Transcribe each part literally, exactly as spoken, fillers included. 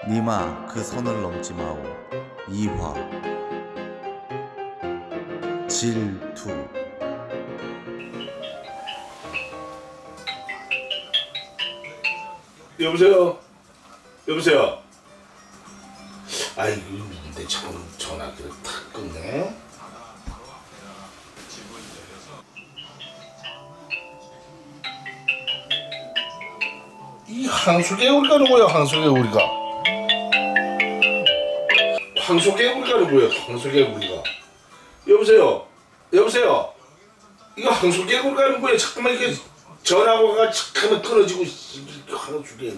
니마 그 선을 넘지 마오. 이화 질투. 여보세요? 여보세요? 아이고 근데 참 전화기를 탁 끊네. 이 황소개구리가 누구야? 황소개구리가 황소개구리가 누구야? 황소개구리가. 여보세요? 여보세요? 이거 황소개구리가 누구야? 잠깐만 이게 전화가 잠깐만 끊어지고 황소개구리.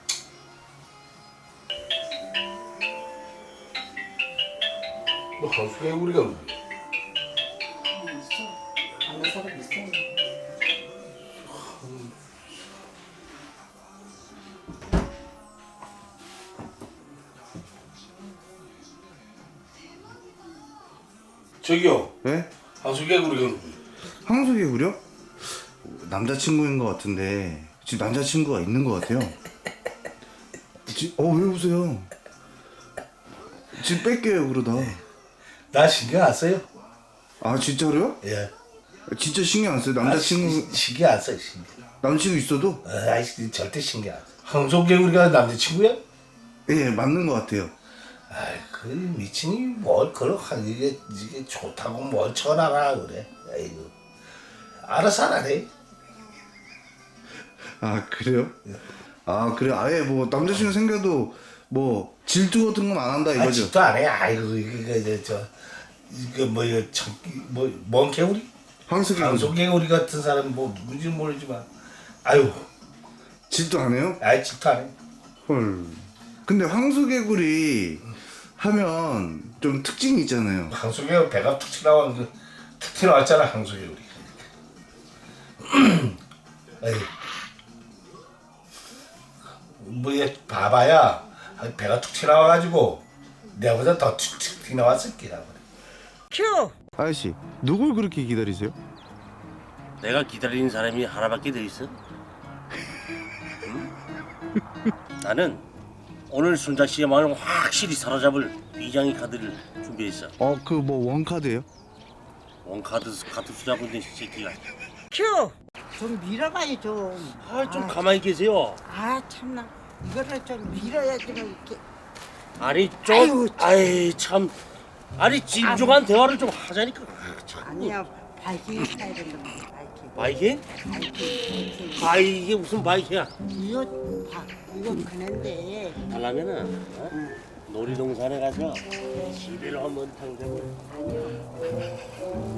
너 황소개구리가 누구야? 아는 사람 있어요. 저기요. 네? 황소개구리가 누구야? 황소개구리요? 남자친구인 것 같은데 지금 남자친구가 있는 것 같아요. 지, 어, 왜 웃어요? 지금 뺄게요 그러다. 나 신경 안 써요. 아 진짜로요? 예. 진짜 신경 안 써요? 남자친구 아, 시, 신경 안 써요. 신경. 남자친구 있어도? 아이 절대 신경 안 써. 황소개구리가 남자친구야? 예, 맞는 것 같아요. 아이 그 미친이 뭘 그렇게 이게 이게 좋다고 뭘 전화가 그래. 아이고 알아서 하라래. 아 그래요? 아 그래, 아예 뭐 남자친구 생겨도 뭐 질투 같은 건 안 한다 아 이거죠? 집도 안 해. 아이고 이거 이거 저 이거 뭐야 뭐뭔 개구리? 황소개구리 황소개구리 같은 사람 뭐 누군지 모르지만 아유 질투 안 해요? 아이 집도 안 해. 헐. 근데 황소개구리 하면 좀 특징이 있잖아요. 황소개구리 배가 툭 튀나와 툭 튀나왔잖아 황소개구리. 아이 뭐얘 봐봐야 배가 툭 튀나와가지고 내보다 더 툭툭 튀나왔을 기라 그래. 큐. 아저씨, 누굴 그렇게 기다리세요? 내가 기다리는 사람이 하나밖에 더 있어? 응? 나는 오늘 순자 씨의 마음을 확실히 사로잡을 비장의 카드를 준비했어. 어, 그 뭐 원카드예요? 원카드 카드 수잡은 데 새끼가. 큐. 좀 밀어봐요 좀. 아, 좀 가만히 계세요. 아 참나. 이거를 좀 밀어야지 뭐 이렇게. 아니 아이고, 좀, 참. 아이 참, 아니 진중한 대화를 좀 하자니까. 아, 참. 아니야 바이킹 타야 된다. 바이킹. 바이킹? 바이킹. 바이킹. 바이킹이 무슨 바이킹이야? 이거 봐. 이거 그는데. 하려면은 어? 응. 놀이동산에 가서 시비를 한번 탕자고. 아니요.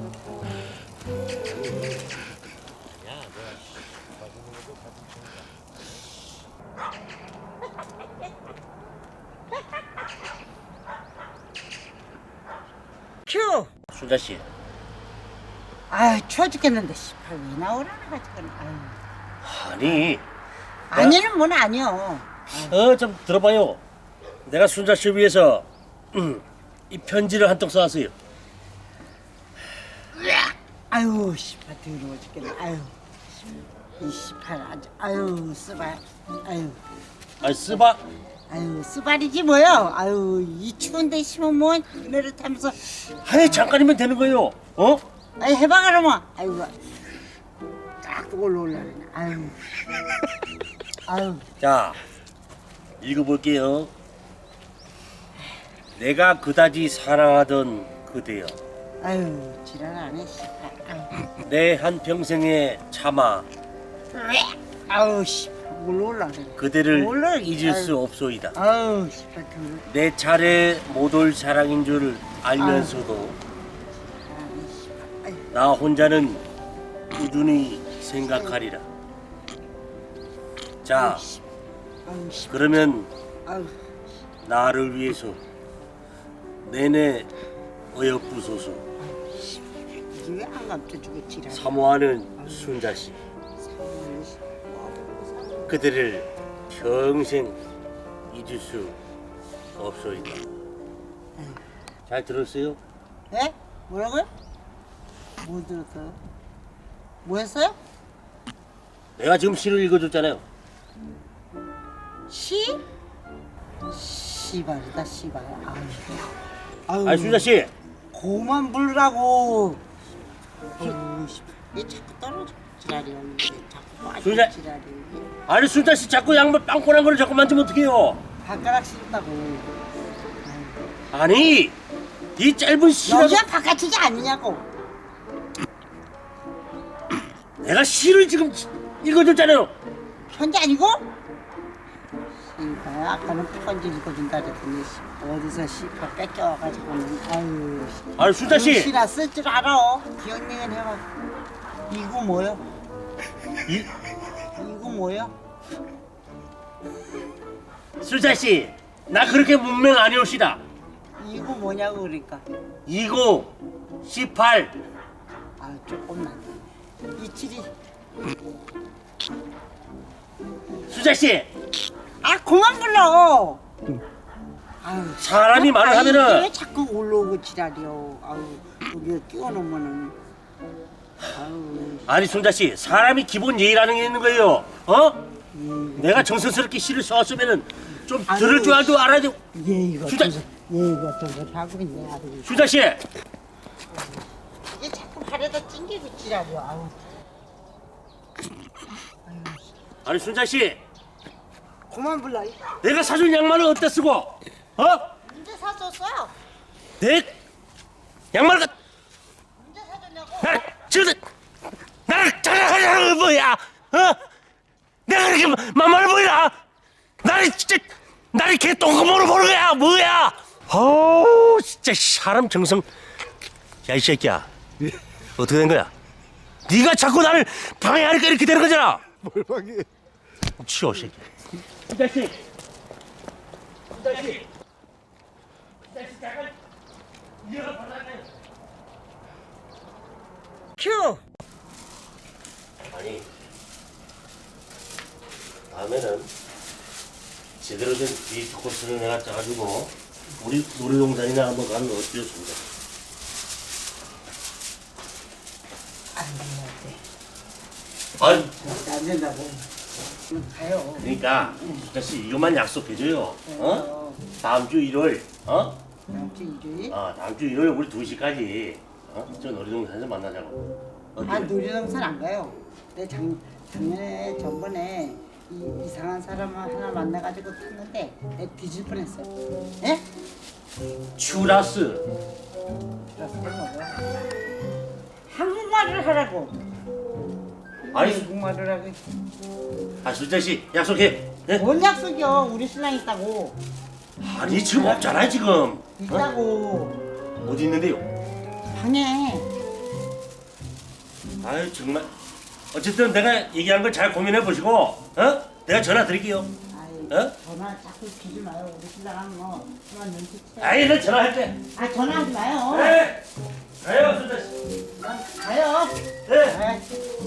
큐. 순자 씨, 아 추워 죽겠는데 씨발 왜 나오라는 거지 그건. 아유. 아니, 아니는 뭔 아니요. 어 좀 들어봐요. 내가 순자 씨 위해서 음, 이 편지를 한 통 써왔어요. 아유 씨발 더러워 죽겠네. 아유 이 씨발 아주 아유 쓰발. 아유 아 쓰바. 아유 쓰발이지 뭐요. 아유 이 추운데 심으면 뭐 그네를 타면서 아니 잠깐이면 되는 거예요. 어? 아유 해봐 그러면. 아유 딱 올라올라네. 아유 아유 자, 읽어볼게요. 내가 그다지 사랑하던 그대여, 아유 지랄 안해 씨발. 아유 내 한 평생의 참아 아유 씨발 올라올라네. 그대를 올라- 잊을 아유. 수 없소이다. 아유 씨발 더러워. 내 차례 못 올 사랑인 줄 알면서도 아유 씨발. 아유 나 혼자는 꾸준히 생각하리라. 자, 아유 씨발. 그러면 아유 나를 위해서 내내 어여쁘소서. 이게 왜 안 감춰주고 지랄. 사모하는 순자씨, 그대를 평생 잊을 수 없소이다. 잘 들었어요? 예? 뭐라고요? 뭐 들었어요? 뭐 했어요? 내가 지금 시를 읽어줬잖아요. 시? 씨발이다 씨발. 아유. 아유. 아니 순자 씨, 고만 부르라고. 아유, 씨. 얘 자꾸 떨어져. 지랄이야. 이게 자꾸 빠져. 순자- 지랄이. 아니 순자 씨 자꾸 양말 빵꾸난 거를 자꾸 만지면 어떡해요? 발가락 씹다고. 아니 이 짧은 시라도 여기가 바깥이지 아니냐고. 내가 시를 지금 읽어줬잖아요. 편지 아니고? 씨발 아까는 편지 읽어준다 그랬더니 씨, 어디서 씨발 뺏겨와가지고는 아유. 씨. 아니 순자 씨, 시나 쓸 줄 알아. 기억력은 해봐. 이거 뭐야? 이 이거 뭐야? 순자 씨, 나 그렇게 문맹 아니옵시다. 이거 뭐냐고 그러니까. 이십, 십팔. 아 조금만. 이칠이. 순자 씨, 아 그만 불러. 아유. 사람이 말을 아, 하면은- 왜 자꾸 올라오고 지랄이요. 아유 여기 끼워놓으면은. 아유. 아니 순자 씨, 사람이 기본 예의라는 게 있는 거예요. 어? 예. 내가 정성스럽게 시를 써왔으면은 좀 아유, 들을 줄 알도 알아야 돼. 얘 이거 수자- 좀 얘 이거 좀 하고 있네 아주. 순자 씨, 이게 자꾸 발에다 찡기고 지랄이야. 아우. 아니 순자 씨, 그만 불러. 내가 사준 양말을 어디다 쓰고? 어? 언제 사줬어? 내 양말 같. 언제 사줬냐고? 나를 지금 나를 자랑하자는 뭐야? 어? 내가 그렇게 만만해 보이나? 나를 진짜 나를 개 똥구멍으로 보는 거야 뭐야? 어우 진짜 사람 정성. 야 이 새끼야, 어떻게 된 거야? 네가 자꾸 나를 방해하니까 이렇게 되는 거잖아. 뭘 방해? 치워 새끼. 이 자식, 이 자식, 이 자식 잠깐 이어가 받아내. 큐. 아니 다음에는 제대로 된 데이트 코스를 내가 짜가지고 우리 놀이동산이나 한번 가는 거 어때요, 순자? 안 된대. 아니 안 된다고. 그럼 가요. 그러니까 순자 씨 이것만 약속해줘요. 어? 어? 다음 주 일요일, 어? 다음 주 일요일. 아 다음 주 일요일 우리 두 시까지 어? 저 놀이동산에서 만나자고. 어때? 아 놀이동산 안 가요. 내 작, 작년에 전번에 이, 이상한 사람을 하나 만나가지고 탔는데 내 뒤질 뻔했어요. 예? 추라스. 그래서 뭐야? 한국말을 하라고. 아니. 한국말을 하고. 아 순자 씨 약속해. 예? 뭔 약속이요? 우리 신랑 있다고. 아니 지금 없잖아 지금. 어? 있다고. 어디 있는데요? 방에. 아유 정말. 어쨌든 내가 얘기한 걸 잘 고민해 보시고, 어? 내가 전화 드릴게요. 아이, 어? 전화 자꾸 주지 마요. 우리 신랑은 뭐 그만 눈치채. 아이 나 전화할게. 아 전화하지 마요. 네. 가요 순자 씨. 그냥 가요. 네. 아이.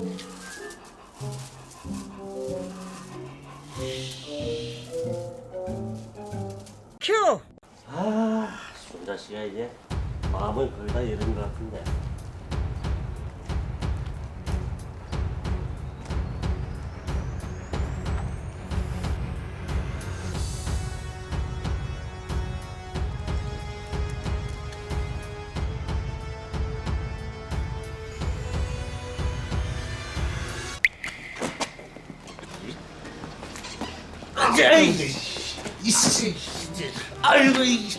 큐. 아 순자 씨가 이제 마음을 거의 다 잃은 것 같은데. 아이, 이씨, 아이고 이,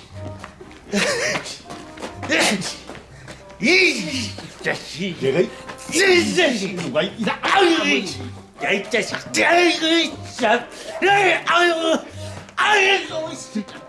이 자식, 내가 이 자식 누가 이다, 아이고, 야이 자식, 아이고, 참, 아이고, 아이고, 아이고.